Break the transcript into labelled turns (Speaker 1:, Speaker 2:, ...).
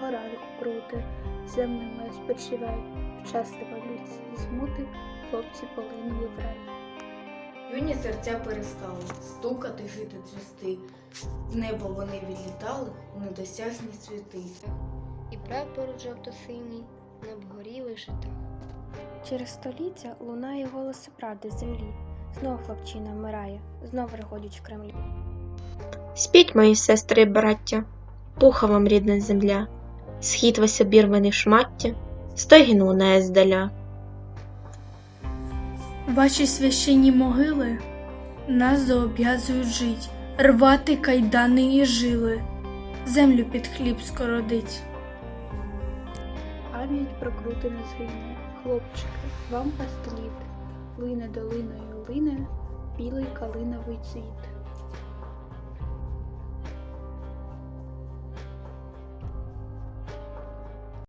Speaker 1: доброго ранку, круте, землю моя спочивай, в час революції змути хлопці полинули в рай.
Speaker 2: Юні серця перестали стукати, жити, цвісти. В небо вони відлітали у недосяжні світи.
Speaker 3: І прапор жовто-синій над горіли жита.
Speaker 4: Через століття лунає голос правди з землі. Знов хлопчина вмирає, знов регочуть в Кремлі.
Speaker 5: Спіть, мої сестри і браття, пуха вам рідна земля, схід весь обірваний в шмаття, стогін лунає здаля.
Speaker 6: Ваші священні могили нас зобов'язують жить, рвати кайдани і жили, землю під хліб скородить.
Speaker 1: Пам'ять про крути не згине, хлопчики, вам пастеліт, лине долиною лине білий калиновий цвіт.